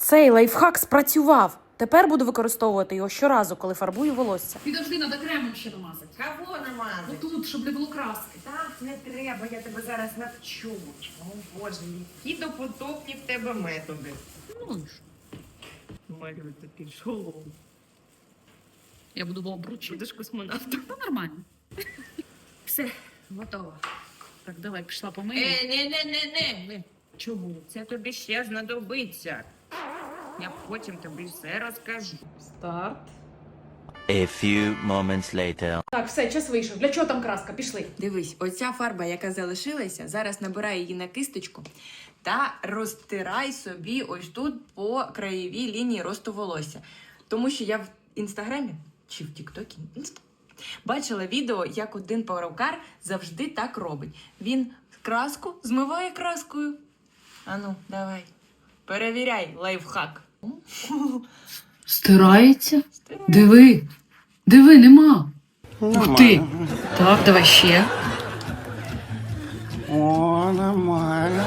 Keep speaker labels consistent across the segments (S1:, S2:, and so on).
S1: Цей лайфхак спрацював. Тепер буду використовувати його щоразу, коли фарбую волосся.
S2: Підожди, треба кремом ще намазати.
S3: Кого намазати?
S2: Отут, щоб не було краски.
S3: Так, не треба, я тебе зараз навчу. О, Боже, які допотопні в тебе методи.
S2: Ну ж.
S3: Малюй такий шолом.
S2: Я буду в обручі.
S3: Будеш космонавтом.
S2: Ну, нормально. Все, готово. Так, давай, пішла помию.
S3: Не. Чому? Це тобі ще знадобиться. Я потім тобі все розкажу.
S2: Старт.
S4: A few moments later.
S1: Так, все, час вийшов. Для чого там краска? Пішли.
S5: Дивись, оця фарба, яка залишилася, зараз набирай її на кисточку та розтирай собі ось тут по краєвій лінії росту волосся. Тому що я в інстаграмі чи в Тіктокі бачила відео, як один перукар завжди так робить. Він краску змиває краскою. Ану, давай. Перевіряй лайфхак.
S2: Стирається? Диви. Диви, нема. Ух ти. Так, давай ще.
S6: О, нормально.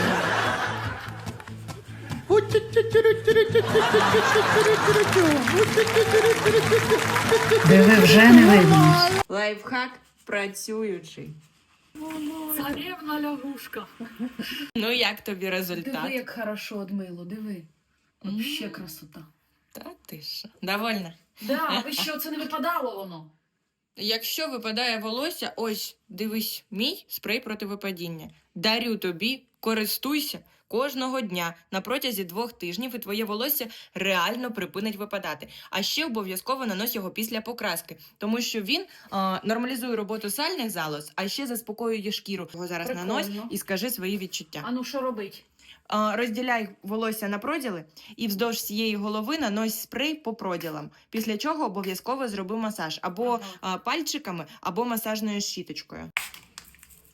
S2: Диви, вже не видно.
S5: Лайфхак працюючий.
S2: Царевна лягушка.
S5: Ну, як тобі результат?
S2: Диви, як хорошо одмило, диви. Вообще красота.
S5: Та ти що? Довольна?
S2: Да, ви що, це не випадало воно?
S5: Якщо випадає волосся, ось, дивись, мій спрей проти випадіння. Дарю тобі, користуйся кожного дня на протязі 2 тижнів, і твоє волосся реально припинить випадати. А ще обов'язково нанось його після покраски, тому що він нормалізує роботу сальних залоз, а ще заспокоює шкіру. Його зараз
S2: Прикольно.
S5: нанось і скажи свої відчуття.
S2: А ну що робить?
S5: Розділяй волосся на проділи і вздовж цієї голови нанось спрей по проділам. Після чого обов'язково зроби масаж або пальчиками, або масажною щіточкою.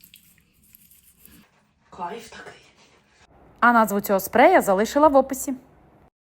S2: Кайф такий.
S1: А назву цього спрея залишила в описі.